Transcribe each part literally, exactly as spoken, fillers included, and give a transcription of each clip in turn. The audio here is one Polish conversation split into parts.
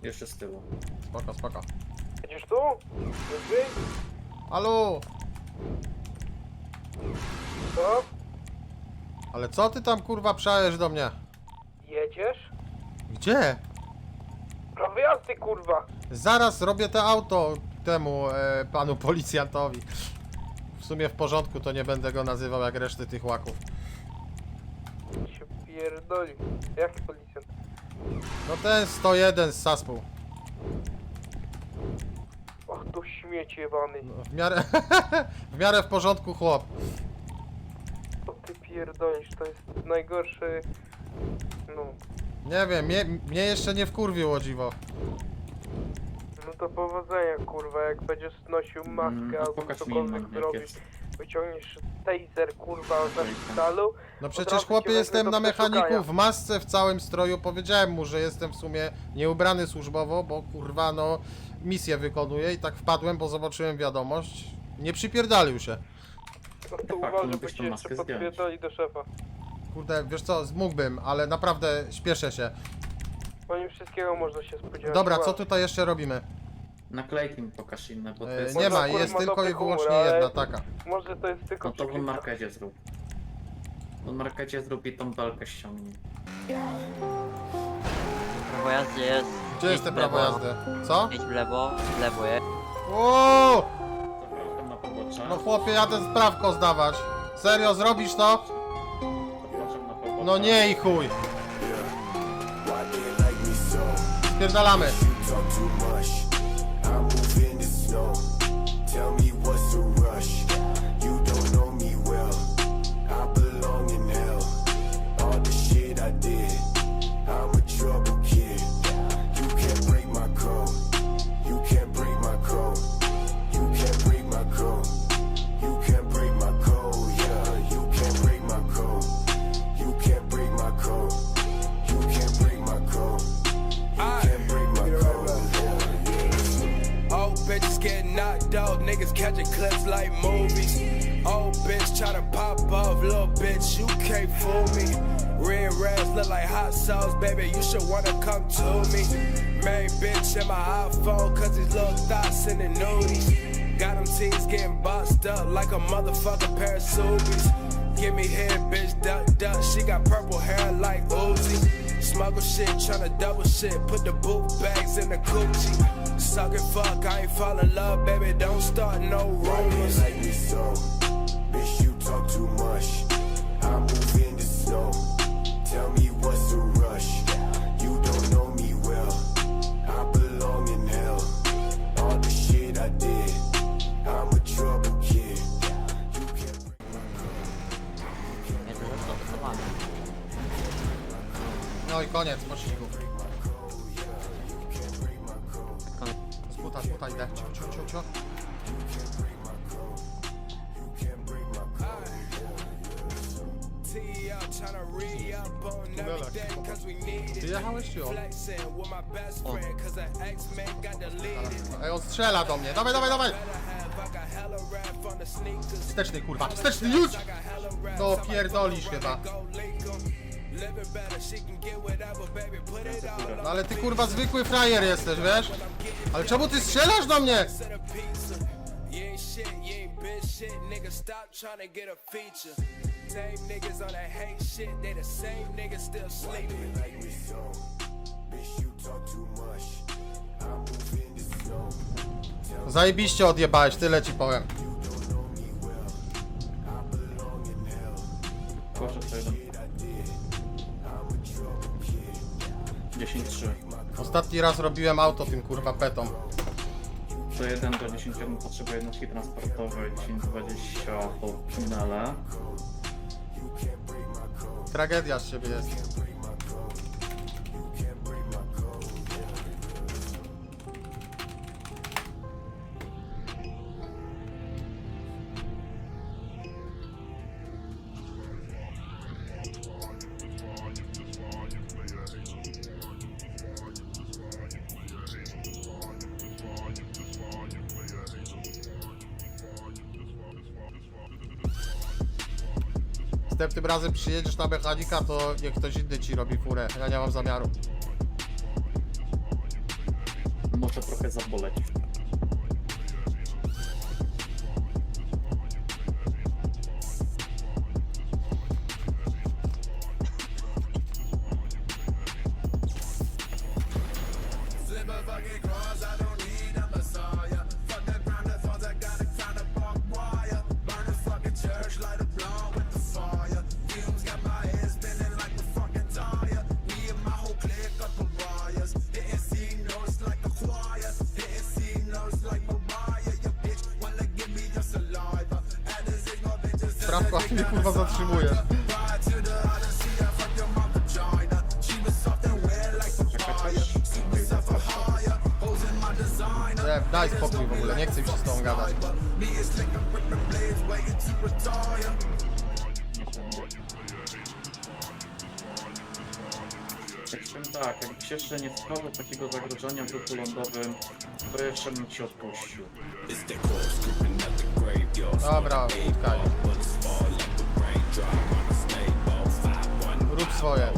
Jeszcze z tyłu. Spoko, spoko. Jedziesz tu? Wyżej? Halo! Co? Ale co ty tam kurwa przajesz do mnie? Jedziesz? Gdzie? Prawo jazdy, kurwa! Zaraz robię te auto temu e, panu policjantowi. W sumie w porządku, to nie będę go nazywał jak reszty tych łaków. Się pierdoli. Jaki policjant? No ten sto jeden z Saspół. Och, to śmieć jebany. No, w miarę w miarę w porządku chłop. Co ty pierdolisz? To jest najgorszy... No... Nie wiem, mnie, mnie jeszcze nie wkurwił, o dziwo. No to powodzenia, kurwa, jak będziesz nosił maskę Mm, albo pokaż mi cokolwiek inną, jak zrobisz. jest. Wyciągniesz taser, kurwa, ze szpitalu. No Od przecież razu chłopie cię jestem wezmę na do przeszukania. mechaniku w masce, w całym stroju. Powiedziałem mu, że jestem w sumie nieubrany służbowo, bo kurwa no misję wykonuję i tak wpadłem, bo zobaczyłem wiadomość. Nie przypierdalił się. No to Faktu, uważaj, bo mógłbyś tą cię jeszcze maskę zdjąć. podpierdoli do szefa. Kurde, wiesz co, mógłbym, ale naprawdę śpieszę się. Po nim wszystkiego można się spodziewać. Dobra, co Uważaj. tutaj jeszcze robimy? Naklejki mi pokaż inne, bo to E, jest... nie ma, akurat jest ma tylko dobry i wyłącznie humor, ale- jedna taka. Może to jest tylko No to w przykryta. markecie zrób. W markecie zrób i tą belkę ściągnij. Prawo jazdy jest. Gdzie idź jest te w prawo lewo. jazdy? Co? Idź w lewo, w lewo jest. O! Zapraszam na pobocze. No chłopie, jadę sprawko zdawać. Serio, zrobisz to? Zapraszam na pobocze. No nie i chuj. Spierdalamy. Talk too much. I move in the snow. Tell me what's the rush. You don't know me well. I belong in hell. All the shit I did. I'm a trouble kid. You can't break my code. You can't break my code. You can't break my code. You can't break my code. Yeah, you can't break my code. You can't break my code. You can't break my code. You can't break my code. Old bitches get knocked out, niggas catching clips like movies. Old bitch try to pop off, little bitch, you can't fool me. Red rags look like hot sauce, baby, you should wanna come to me. Main bitch in my iPhone, cause these little thoughts in the nudies. Got them teens getting boxed up like a motherfucking pair of Subies. Give me head, bitch, duck, duck, she got purple hair like Uzi. Smuggle shit, tryna double shit, put the boot bags in the coochie. Suck it, fuck, I ain't fall in love, baby, don't start no Why do you rumors. like me so? Bitch, you talk too much. I move in the snow. Tell me what's the rush. You don't know me well. I belong in hell. All the shit I did. I'm a trouble kid. You can't break my Nie, to zastosowane. No i koniec pościgu. code. Sputa, sputa, idę. Cio, cio, cio, cio. Tee up, tryna re-up on everything, cause we need Ty it. jechałeś czy on? Flexing with my best friend, cause her ex-man got deleted. Ej, on strzela do mnie. Dawaj, dawaj, dawaj. Better have, I got hella rap from the sneakers. Wsteczny kurwa, wsteczny już! I got hella rap, No somebody pierdolisz go chyba. go leak 'em. Living better, she can get whatever, baby, put it all No ale ty kurwa zwykły frajer jesteś, wiesz? Ale czemu ty strzelasz do mnie? to the pizza. You ain't shit, you ain't been shit, nigga. Stop trying to get a feature. Same niggas on that hate shit, they the same niggas still sleeping. Like me so. Bitch, you talk too much. I move in the snow. Tell Zajebiście odjebałeś, tyle ci powiem. you don't know me well. I belong in hell. Proszę to jeden. Shit I did. I'm a trouble kid. dziesięć trzy. Ostatni raz robiłem auto tym kurwa petą. To jeden do dziesięciu potrzebuje jednostki transportowej, dziesięć dwadzieścia po finale. Tragedia z siebie jest. Następnym razem przyjedziesz na mechanika, to niech ktoś inny ci robi furę. Ja nie mam zamiaru. to trochę zaboleć. Sprawka mnie kurwa zatrzymuje. Nie, daj spokój w ogóle, nie chcę mi się z tobą gadać. Powiem tak, jakbyś jeszcze nie stworzył takiego zagrożenia w ruchu lądowym, to jeszcze bym ci odpuścił. Dobra, utkaj. Rób swoje.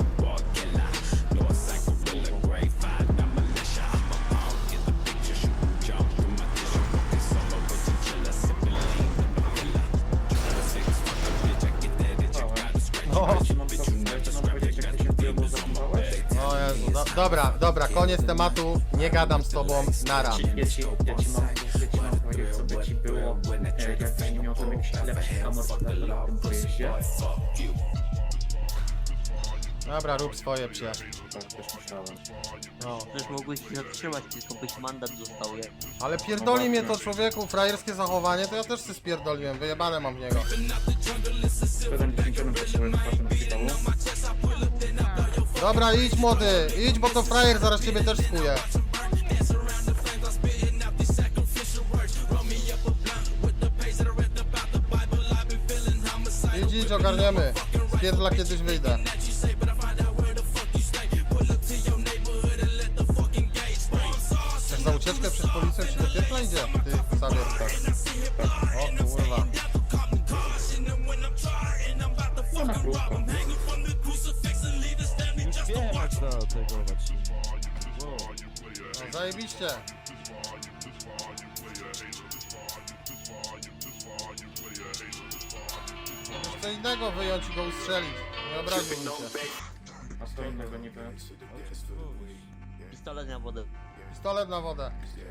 No. Ja ci mam pro- ja ci mam powiedzieć, jak ty się temu zachowałeś? O Jezu, do, dobra, dobra, koniec tematu, nie gadam z tobą, nara. Ja ci, ja ci mam, ja ci mam powiedzieć, co by ci było, e, jakbyś nie miał tam jakichś lepszych amortyzatorów na tym pojeździe. Dobra, rób swoje, przyjaciół. Tak, też myślałem. No. Przecież mogłeś się zatrzymać, tylko byś mandat dostał, je. Ale pierdoli mnie to, człowieku, frajerskie zachowanie, to ja też się spierdoliłem, wyjebane mam w niego. Jeden dziesięciorem potrzebuję wypłatę na szpitalu. Dobra, idź młody, idź, bo to frajer zaraz ciebie też skuje. Idź, idź, ogarniemy. Spierdla kiedyś wyjdę. Chcesz za ucieczkę przed policją ci do piekla idzie? Ty, Zawierska. O kurwa. No na krótko. Już wiem jak zategować. Wow. No, zajebiście. Możesz co innego wyjąć i go ustrzelić. Nie obraziłbym się. A co innego niby? Pistolet na wodę. Pistolet na wodę.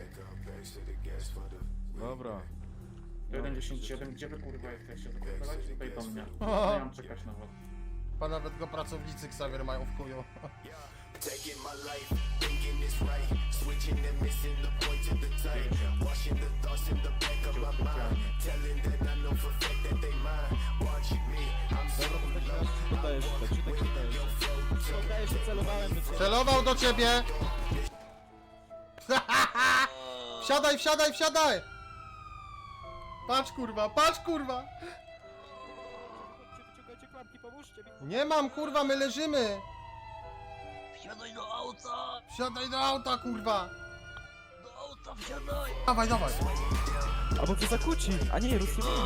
Dobra. jeden dziesięć siedem, gdzie wy kurwa jesteście? Zapierdalajcie tutaj do mnie. Nie mam czekać na was. Chyba nawet go pracownicy Xavier mają w kuju. Taking my life, thinking it's right, switching and missing the point to the time, washing the thoughts in the back of my mind, telling that I know for a fact that they mine, watching me, I'm so low. Dajesz tak, czy tak nie dajesz? Dajesz, że celowałem do ciebie. Celował do ciebie! Wsiadaj, wsiadaj, wsiadaj! Patrz kurwa, patrz kurwa! Wyciągajcie klamki, pomóżcie mi. Nie mam kurwa, my leżymy! Wsiadaj do auta! Wsiadaj do auta kurwa! Do auta wsiadaj! Dawaj, dawaj! Albo cię zakłóci, a nie, rozjebani.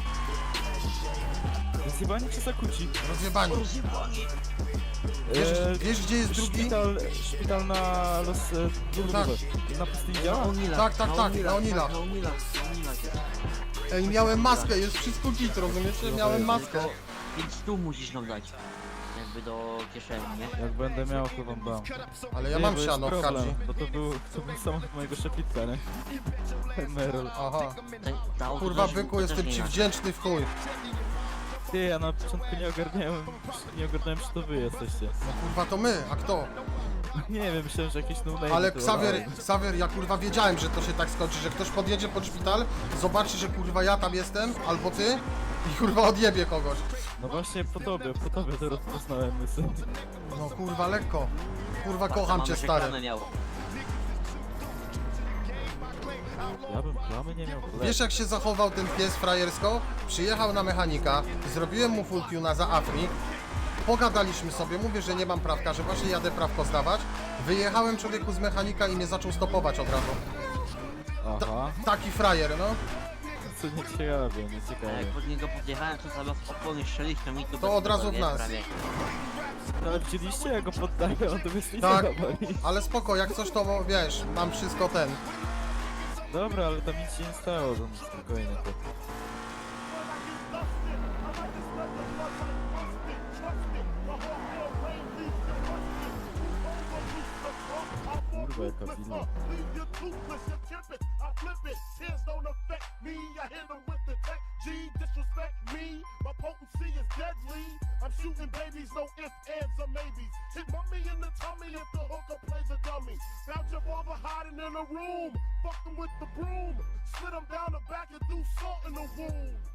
Rozjebani czy zakłóci? Rozjebani. Rozjebani! Wiesz, Eee, wiesz gdzie jest drugi? Szpital, szpital na los... E, Tak. Na pustyni Na działa? Onilach, Tak, tak, tak, na Onilach. Na Onilach, na Onilach. Ej, miałem maskę, jest wszystko git, rozumiecie? Miałem maskę. Tylko pięć stu musisz nam dać. Jakby do kieszeni, nie? Jak będę miał, to wam dam. Ale ja Nie, mam bo jest siano w problem, kadzi. bo to był, to był samochód mojego szefitka, nie? Merol. Aha. Te, ta auto Kurwa też- byku, też jestem nie ci inaczej. wdzięczny w chuj. Ty, ja na początku nie ogarniałem, nie ogarniałem, czy to wy jesteście. No kurwa to my, a kto? Nie wiem, myślałem, że jakieś no Ale Xavier, Xavier, ja kurwa wiedziałem, że to się tak skończy, że ktoś podjedzie pod szpital, zobaczy, że kurwa ja tam jestem, albo ty i kurwa odjebie kogoś. No właśnie po tobie, po tobie to rozpoznałem mysł. No kurwa lekko. Kurwa kocham Mamy cię reklamę stary. miał. Ja bym plamy nie miał. Wiesz jak się zachował ten pies frajersko? Przyjechał na mechanika, zrobiłem mu full tuna za Afrik, pogadaliśmy sobie, mówię, że nie mam prawka, że właśnie jadę prawko zdawać. Wyjechałem człowieku z mechanika i mnie zaczął stopować od razu. Aha, Taki frajer, no. co nie ciekawe, nie A ciekawe. jak pod niego podjechałem, to zamiast opony strzelić, to mi tu To od razu w nie, nas. prawie. No ale widzieliście, jak go poddaję, on to jest nic Tak. nie boli. Ale spoko, jak coś to wiesz, mam wszystko ten. Dobra, ale tam nic się nie stało, tam spokojnie to. Kurwa, jaka willa. I'm shooting babies, no ifs, ands, or maybes. Hit mommy in the tummy if the hooker plays a dummy. Found your father hiding in a room, fucking with the broom. Slid him down the back and threw salt in the wound.